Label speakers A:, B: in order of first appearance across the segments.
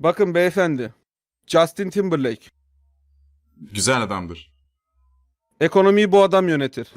A: Bakın beyefendi. Justin Timberlake.
B: Güzel adamdır.
A: Ekonomiyi bu adam yönetir.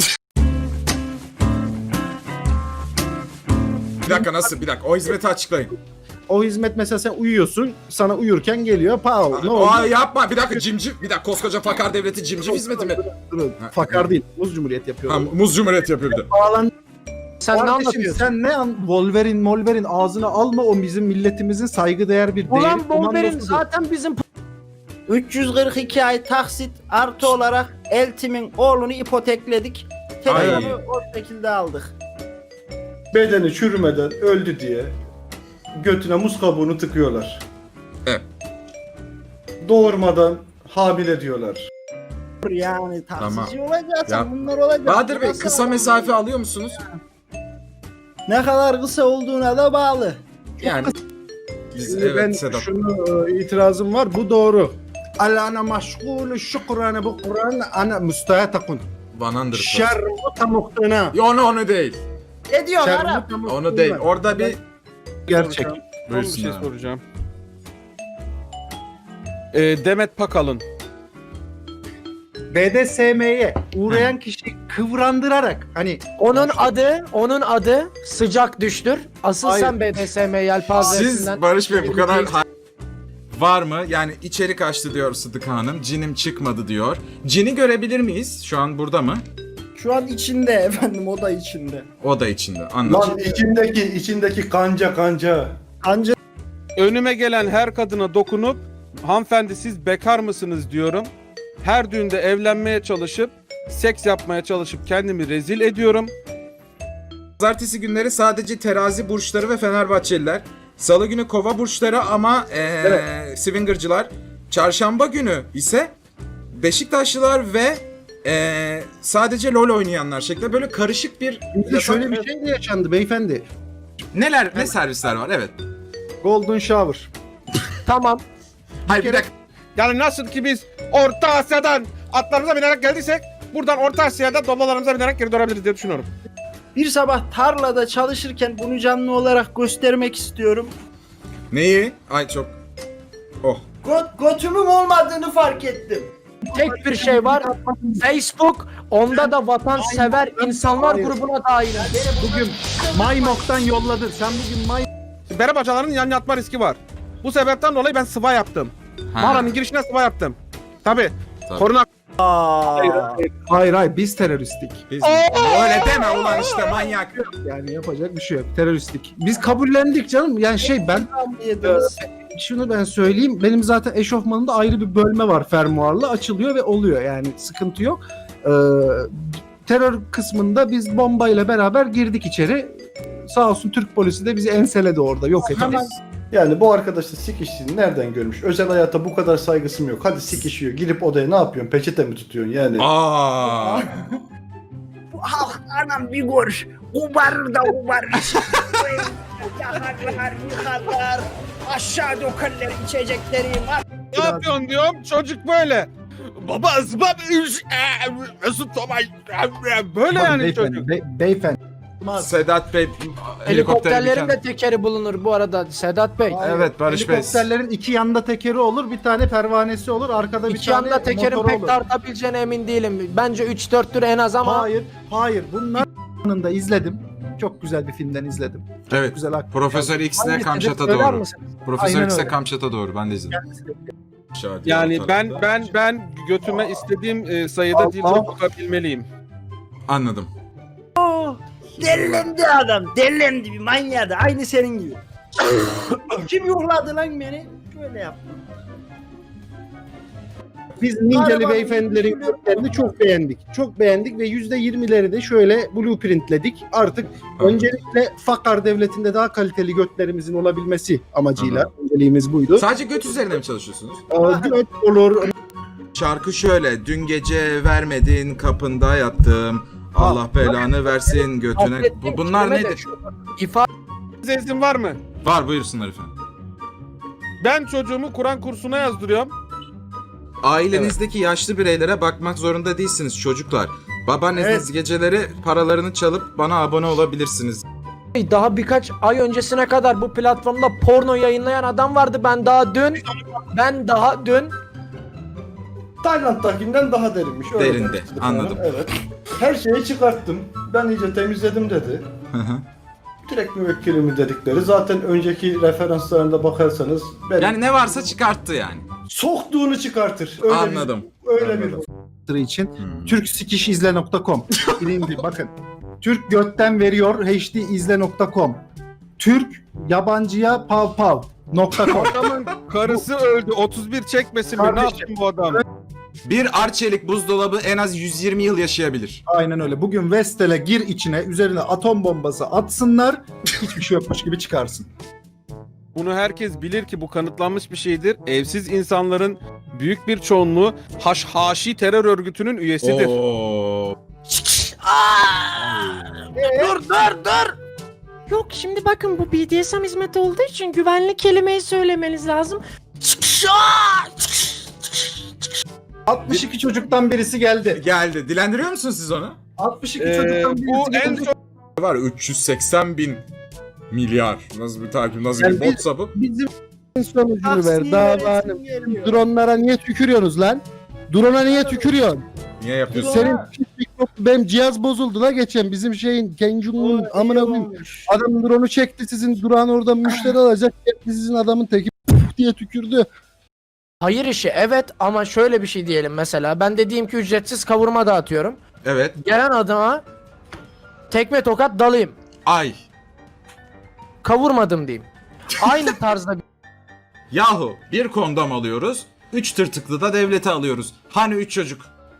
B: Bir dakika nasıl? Bir dakika. O hizmeti açıklayın.
C: O hizmet mesela sen uyuyorsun, sana uyurken geliyor. Ne oldu?
B: Aa, yapma. Bir dakika cimci. Bir dakika koskoca fakar devleti cimci hizmeti mi?
C: Durun. Fakar değil. Muz Cumhuriyet yapıyor.
B: Ha, muz cumhuriyet yapıyor bir de.
C: Bağlan.
D: Sen ne
C: Kardeşim,
D: anlatıyorsun?
C: sen ne Wolverine ağzına alma, o bizim milletimizin saygıdeğer bir
D: Ulan
C: değeri
D: Wolverine
C: komandosudur.
D: zaten bizim
E: 342 ay taksit artı olarak Eltim'in oğlunu ipotekledik.
B: Ay.
E: Telefonu o şekilde aldık.
F: Bedeni çürümeden öldü diye götüne muz kabuğunu tıkıyorlar.
B: Evet.
F: Doğurmadan hamile diyorlar.
E: Yani taksici
B: Tamam.
E: olacaksa
B: Ya,
E: bunlar olacak.
B: Bahadır Bey
E: Nasıl
B: kısa
E: olacak?
B: mesafe alıyor musunuz?
E: Ne kadar kısa olduğuna da bağlı.
B: Yani biz
C: Şimdi ben
B: evet Sedat.
C: şunu itirazım var, bu doğru. Ana maşgulü şükrane bu Kur'an ana müstahatakun.
B: Vanandır.
C: Şermu tamuktuna.
B: Ya onu değil.
E: Ne diyorsun Arap?
C: Şermu tamuktuna.
B: Onu değil. Orada bir
C: Gerçek.
A: Son bir
B: Buyursun
A: şey
B: abi.
A: soracağım. Demet Pakalın.
C: BDSM'ye uğrayan kişiyi kıvrandırarak hani
D: onun adı sıcak düştür. Asıl
C: Hayır.
D: sen BDSM yelpazesinden.
B: siz Barış Bey bu kadar var mı? Yani içerik açtı diyor Sıdık Hanım. Cinim çıkmadı diyor. Cini görebilir miyiz? Şu an burada mı?
E: Şu an içinde efendim, o da içinde.
B: O da içinde. Anladım.
F: Lan içindeki kanca.
E: Anca
A: Önüme gelen her kadına dokunup hanımefendi siz bekar mısınız diyorum. Her düğünde evlenmeye çalışıp seks yapmaya çalışıp kendimi rezil ediyorum.
B: Pazartesi günleri sadece terazi burçları ve Fenerbahçeliler. Salı günü kova burçları ama swingercılar. Çarşamba günü ise Beşiktaşlılar ve sadece LoL oynayanlar şeklinde böyle karışık bir...
C: bizde şöyle bir şey de yaşandı beyefendi.
B: Ne servisler var? Evet.
C: Golden Shower.
D: Tamam.
B: Hayır bir dakika.
A: Yani nasıl ki biz Orta Asya'dan atlarımıza binerek geldiysek buradan Orta Asya'da dollalarımıza binerek geri dönebiliriz diye düşünüyorum.
E: bir sabah tarlada çalışırken bunu canlı olarak göstermek istiyorum.
B: Neyi? Ay çok... Oh.
E: Götümün olmadığını fark ettim.
D: Tek bir şey var. Facebook. Onda da vatansever insanlar
C: Hayır.
D: grubuna dahil.
C: Bugün Maymok'tan yolladın. Sen bugün
A: Bere bacaların yan yatma riski var. Bu sebepten dolayı ben sıva yaptım. Mağaranın girişine sıva yaptım. Tabi.
B: Tabii.
A: Koruna
C: Hayır biz teröristik.
B: Biz... Öyle deme ulan işte manyak.
C: Yani yapacak bir şey yok. Teröristik. Biz kabullendik canım. Yani ben
E: Yediniz.
C: şunu ben söyleyeyim. Benim zaten eşofmanımda ayrı bir bölme var, fermuarlı. Açılıyor ve oluyor. Yani sıkıntı yok. Terör kısmında biz bombayla beraber girdik içeri. Sağ olsun Türk polisi de bizi enseledi orada. Yok etti.
E: Hemen
F: Yani bu arkadaş da sikiştiğini nereden görmüş? Özel hayata bu kadar saygısım yok. Hadi sikişiyor. Girip odaya ne yapıyorsun? Peçete mi tutuyorsun yani?
B: Aa.
E: bu halk anam bir gör. Ubar da ubar. Yakarlar, yıkarlar. Aşağı dökerler içecekleri.
A: ne yapıyorsun diyorum çocuk böyle. Baba ısbab Mesut Tomay böyle yani çocuk.
C: Beyefendi.
B: Sedat Bey
D: Helikopterlerin de tekeri bulunur bu arada Sedat Bey.
B: Evet Barış Bey.
C: Helikopterlerin iki yanda tekeri olur, bir tane pervanesi olur, arkada bir
D: İki
C: tane
D: yanda tekerin
C: motoru
D: pek
C: olur.
D: tartabileceğine emin değilim. Bence 3-4'tür en az ama
C: Hayır. Bunlar da izledim. Çok güzel bir filmden izledim.
B: Evet.
C: Güzel aktör.
B: Profesör X'le
D: hangisidir
B: Kamçat'a
D: söyler
B: doğru.
D: misiniz?
B: Profesör
C: Aynen
B: X'le
C: öyle.
B: Kamçat'a doğru. Ben de izledim.
A: Yani ben götüme istediğim sayıda dildo sokabilmeliyim.
B: Anladım.
E: Delilendi adam. Delilendi bir manyadı. Aynı senin gibi. Kim yuhladı lan beni? Şöyle yaptım.
C: Biz Ninceli
E: Galiba
C: beyefendilerin
E: bir
C: görüntülerini çok beğendik. Çok beğendik ve %20'leri de şöyle blueprintledik. Artık öncelikle Fakar devletinde daha kaliteli götlerimizin olabilmesi amacıyla önceliğimiz buydu.
B: Sadece göt üzerine mi çalışıyorsunuz?
C: Göt olur.
B: Şarkı şöyle. Dün gece vermedin kapında yattım. Allah belanı versin götüne. Bunlar nedir?
D: İfade
A: Size izin var mı?
B: Var buyursunlar efendim.
A: Ben çocuğumu Kur'an kursuna yazdırıyorum.
B: Ailenizdeki yaşlı bireylere bakmak zorunda değilsiniz çocuklar. Babaanneniz geceleri paralarını çalıp bana abone olabilirsiniz.
D: Daha birkaç ay öncesine kadar bu platformda porno yayınlayan adam vardı. Ben daha dün
F: Tayland'dakinden daha derinmiş. Öyle
B: Derinde,
F: demişti bana.
B: anladım.
F: Evet. Her şeyi çıkarttım. Ben iyice temizledim dedi.
B: Hı hı.
F: Direkt müvekkilimi dedikleri. Zaten önceki referanslarında bakarsanız benim
B: Yani ne varsa çıkarttı yani.
F: soktuğunu çıkartır. Öyle
B: Anladım.
F: öyle
B: Anladım.
C: Tırı için
B: Hmm.
C: türksikişizle.com. Birinci bakın. Türk götten veriyor hdizle.com. Türk yabancıya pav.com.
A: Adamın karısı öldü. 31 çekmesin mi? Ne
C: Kardeşim.
A: yaptın bu adam?
B: Bir Arçelik buzdolabı en az 120 yıl yaşayabilir.
C: Aynen öyle. Bugün Vestel'e gir içine, üzerine atom bombası atsınlar, hiçbir şey yokmuş gibi çıkarsın.
A: Bunu herkes bilir ki bu kanıtlanmış bir şeydir. Evsiz insanların büyük bir çoğunluğu Haşhaşi terör örgütünün üyesidir.
B: Oo.
D: dur. Yok şimdi bakın bu BDSM hizmeti olduğu için güvenli kelimeyi söylemeniz lazım.
C: 62 çocuktan birisi geldi.
B: Geldi. Dilendiriyor musunuz siz onu?
C: 62 çocuktan birisi
A: Bu en
C: geldi.
A: son
B: Var 380 bin milyar. Nasıl bir takip, nasıl
C: Yani
B: bir botsa bu?
C: Bizim sonucunu ver.
E: Taksiye
C: Daha
E: veresim geliyor.
C: dronlara niye tükürüyorsunuz lan? Drone'a niye tükürüyorsun?
B: Niye yapıyorsun?
C: Senin benim cihaz bozuldu la geçen bizim şeyin Kenjun'un amına koyayım.
E: olmuş.
C: Adam drone'u çekti sizin durağın orada müşteri alacak. Sizin adamın teki diye tükürdü.
D: Hayır işi evet ama şöyle bir şey diyelim mesela. Ben de diyeyim ki ücretsiz kavurma dağıtıyorum.
B: Evet.
D: Gelen adama tekme tokat dalayım.
B: Ay.
D: Kavurmadım diyeyim. Aynı tarzda
B: Yahu bir kondom alıyoruz. 3 tırtıklı da devlete alıyoruz. Hani 3 çocuk?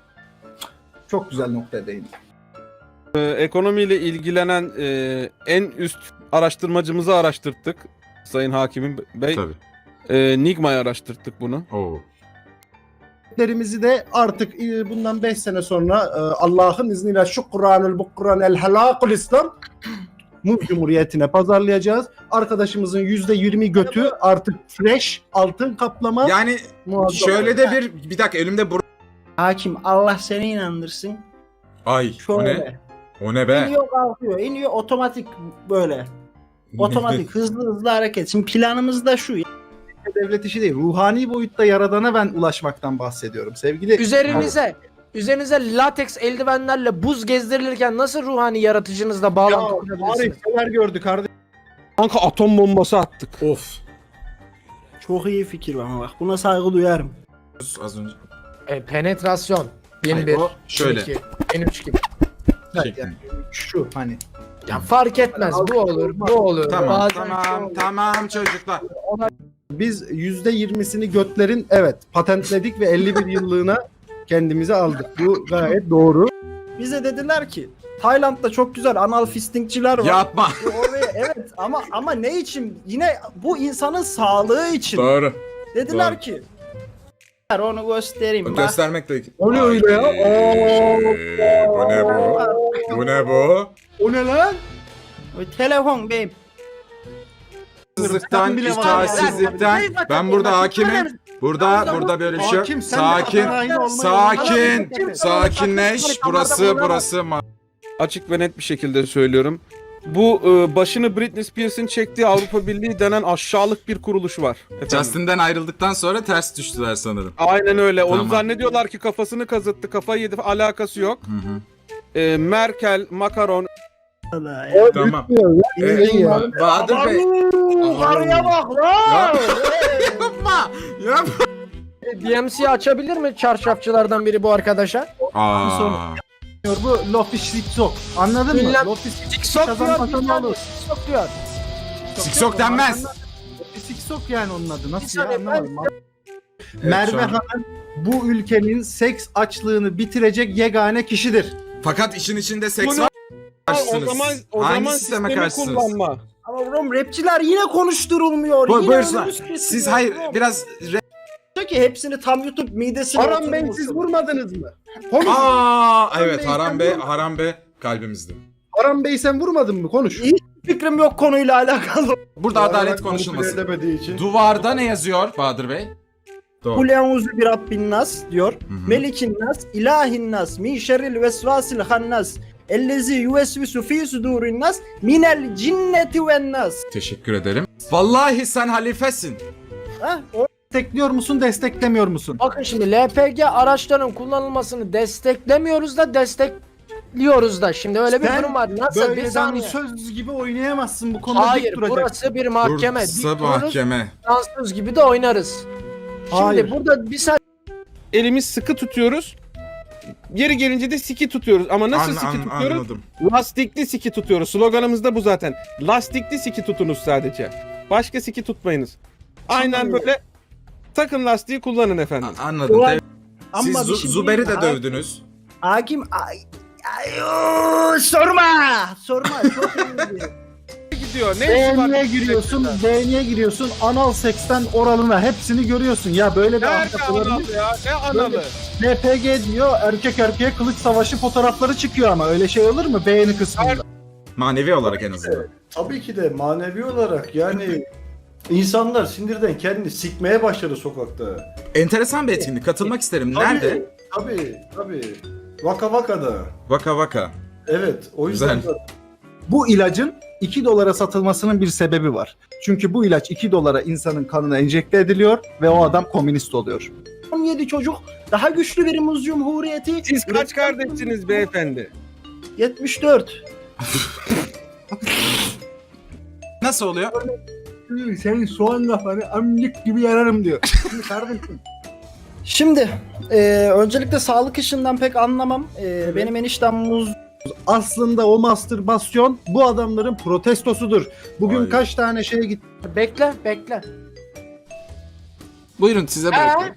C: Çok güzel noktaya değindi.
A: ekonomiyle ilgilenen en üst araştırmacımızı araştırttık. Sayın Hakimim Bey.
B: Tabii.
A: Nigma'yı araştırttık bunu.
B: Oo.
C: Derimizi de artık bundan 5 sene sonra Allah'ın izniyle şu Kur'an'ül bu Kur'an'el helakul İslam Muz Cumhuriyeti'ne pazarlayacağız. Arkadaşımızın %20 götü artık fresh altın kaplama.
B: Yani
C: muazzam.
B: şöyle de bir dakika elimde
E: Hakim Allah seni inandırsın.
B: Ay o ne?
E: Şöyle.
B: O ne be?
E: İniyor kalkıyor. İniyor otomatik böyle. Otomatik hızlı hareket. Şimdi planımız da şu.
C: Devlet işi değil. Ruhani boyutta yaradana ben ulaşmaktan bahsediyorum. Sevgili
D: üzerinize lateks eldivenlerle buz gezdirilirken nasıl ruhani yaratıcınızla bağlantı kurabilirsiniz?
C: neler gördü kardeşim.
A: Kanka atom bombası attık.
B: Of.
E: Çok iyi fikir ama bak buna saygı duyarım.
B: Az önce.
D: Penetrasyon. Yeni
B: Hayır,
D: bir.
B: o şöyle.
D: Yeni iki, yeni üç gibi.
C: Yani şu hani.
D: Ya fark etmez. Bu olur. Bu olur.
B: Tamam
D: Bazen şu
B: tamam
D: olur.
B: tamam çocuklar.
C: Biz %20'sini götlerin evet patentledik ve 51 yıllığına kendimize aldık. Bu gayet doğru.
E: Bize dediler ki Tayland'da çok güzel anal fistingçiler var.
B: Yapma.
E: Oraya evet ama ne için? Yine bu insanın sağlığı için.
B: Doğru.
E: Dediler
B: Doğru.
E: ki onu göstereyim. Bak.
B: Göstermek de.
C: O ne öyle ya?
B: Bu ne bu? Bu ne bu?
C: O ne lan?
E: O telefon beyim.
B: Hırsızlıktan,
C: bile var.
B: itaatsizlikten. Ben burada hakimim. Burada böyle bir şey yok.
C: Hakim, sen de
B: Sakin.
C: adayın olmayı-
B: Sakin. Sakinleş. Burası.
A: Açık ve net bir şekilde söylüyorum. Bu başını Britney Spears'ın çektiği Avrupa Birliği denen aşağılık bir kuruluş var. Efendim.
B: Justin'den ayrıldıktan sonra ters düştüler sanırım.
A: Aynen öyle. Onu
B: Tamam.
A: zannediyorlar ki kafasını kazıttı, kafayı yedi. Alakası yok.
B: Hı hı.
A: Merkel, Macron,
B: Tamam. Bahadır Bey.
E: Karıya bak lan.
B: Yapma. Yapma.
D: DMC açabilir mi çarşafçılardan biri bu arkadaşa?
B: Aa.
C: Bu Lofi Siksok. Anladın mı?
D: Ünlem-
C: Lofi
D: Siksok diyor.
C: Kazanmasa
D: Bir
C: ne
D: saniye,
C: olur?
D: Siksok diyor.
B: Siksok denmez.
C: Lofi Siksok yani onun adı.
D: Bir
C: Nasıl ya?
D: saniye,
C: Anlamadım.
B: Evet,
C: Merve
B: şu an-
C: Hanım bu ülkenin seks açlığını bitirecek yegane kişidir.
B: Fakat işin içinde seks
A: Bunu-
B: var.
A: o
B: Karşısınız.
A: zaman
B: Hangi sisteme
A: sistemi
B: karşısınız?
A: kullanma.
E: Ama oğlum rapçiler yine konuşturulmuyor. Yine
B: Buyursunlar.
E: önümüz kesiliyor
B: Siz hayır
E: oğlum.
B: biraz
E: Diyor ki hepsini tam YouTube midesine
C: Haram Bey
E: oturmuş.
C: siz vurmadınız mı? Konuş.
B: evet
C: Bey,
B: Haram Bey kalbimizde.
C: Haram Bey sen vurmadın mı? Konuş.
E: İyi. Fikrim yok konuyla alakalı.
B: Burada adalet konuşulmasın.
F: Edemediği için.
B: Duvarda ne yazıyor Bahadır Bey? Doğru.
E: Kul euzu bi rabbin nas diyor.
B: Hı hı.
E: Melikin nas, ilahin nas, min şerril vesvasil hannas. Ellezi yuvesvisu fi sudurin nas minel cinneti ven nas.
B: Teşekkür ederim. Vallahi sen halifesin.
E: Ha? O
C: Destekliyor musun, desteklemiyor musun?
D: Bakın şimdi LPG araçların kullanılmasını desteklemiyoruz da destekliyoruz da. Şimdi öyle bir
C: Sen
D: durum var. Nasıl? Bir
C: Böyle
D: saniye.
C: söz gibi oynayamazsın bu konuda.
D: Hayır,
C: dik duracaksın.
D: burası bir mahkeme.
B: Bursa
D: Dik dururuz,
B: mahkeme.
D: dansöz gibi de oynarız. Şimdi
C: Hayır.
D: burada bir saniye.
A: Elimiz sıkı tutuyoruz. Yeri gelince de siki tutuyoruz. Ama nasıl siki tutuyoruz?
B: Anladım.
A: Lastikli siki tutuyoruz. Sloganımız da bu zaten. Lastikli siki tutunuz sadece. Başka siki tutmayınız. Aynen böyle takın lastiği kullanın efendim.
B: Anladım.
E: Ulan,
B: Siz
E: ama bir şey
B: Zuber'i de
E: diyeyim mi?
B: dövdünüz.
E: Hakim sorma. Sorma. Çok iyiydi.
A: Gidiyor. Ne işi var?
C: Beğeniye giriyorsun, beğeniye giriyorsun, anal seksten oralına hepsini görüyorsun. Ya böyle bir
A: Nerede
C: ahlak olabilir
A: analı ya? Ne analı?
C: LPG diyor, erkek erkeğe kılıç savaşı fotoğrafları çıkıyor ama öyle şey olur mu beğeni kısmında?
B: Manevi olarak en azından.
F: Tabii ki de manevi olarak yani insanlar sinirden kendini sikmeye başladı sokakta.
B: Enteresan bir etkinlik. Katılmak isterim. Nerede?
F: Tabii. Vaka Vaka'da.
B: Vaka vaka.
F: Evet, o yüzden
B: Güzel.
C: Bu ilacın 2 dolara satılmasının bir sebebi var. Çünkü bu ilaç 2 dolara insanın kanına enjekte ediliyor ve o adam komünist oluyor.
E: 17 çocuk daha güçlü bir muz cumhuriyeti.
A: Siz kaç kardeşsiniz beyefendi?
E: 74.
B: Nasıl oluyor?
C: Senin soğan kafanı amcık gibi yararım diyor. Şimdi kardeşim.
E: Şimdi öncelikle sağlık işinden pek anlamam. Benim eniştem muz.
C: Aslında o mastürbasyon bu adamların protestosudur. Bugün
B: Hayır.
C: kaç tane şeye gitti.
D: Bekle.
B: Buyurun size bırakıyorum.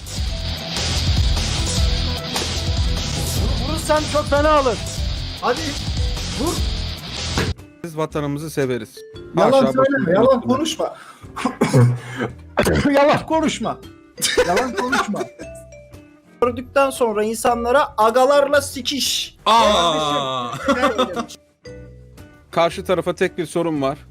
D: Vurursan çok fena olur.
C: Hadi vur.
A: Biz vatanımızı severiz.
C: Yalan
A: Haşa
C: söyleme,
A: başımıza.
C: yalan konuşma. Yalan konuşma. Yalan konuşma.
E: Gördükten sonra insanlara agalarla sikiş.
B: Aa!
A: Karşı tarafa tek bir sorun var.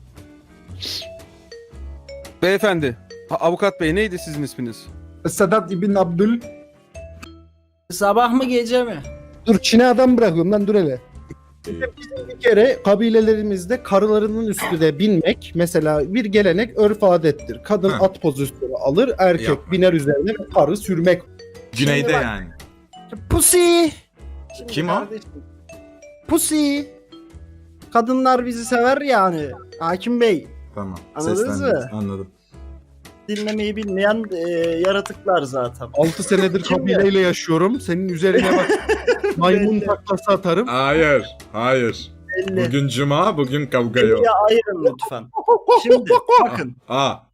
A: Beyefendi, avukat bey neydi sizin isminiz?
C: Sedat İbn Abdül.
E: Sabah mı gece mi?
C: Dur Çin'e adam bırakıyorum lan dur hele. Bir kere kabilelerimizde karılarının üstüne binmek mesela bir gelenek örf adettir. Kadın
B: Ha.
C: at pozisyonu alır, erkek
B: Yapma.
C: biner üzerine ve karı sürmek.
B: Güneyde
E: Şimdi bak-
B: yani.
E: Pussy.
B: Kim o?
E: Pussy. Kadınlar bizi sever yani. Hakim Bey.
B: Tamam.
E: Anladınız
B: seslendiniz.
E: mı?
B: Anladım.
E: Dinlemeyi bilmeyen yaratıklar zaten.
C: 6 senedir kabileyle yaşıyorum. Senin üzerine bak maymun taklası atarım.
B: Hayır.
E: Belli.
B: Bugün cuma, bugün kavga yok.
E: Ya ayırın lütfen. Şimdi bakın.
B: Aa.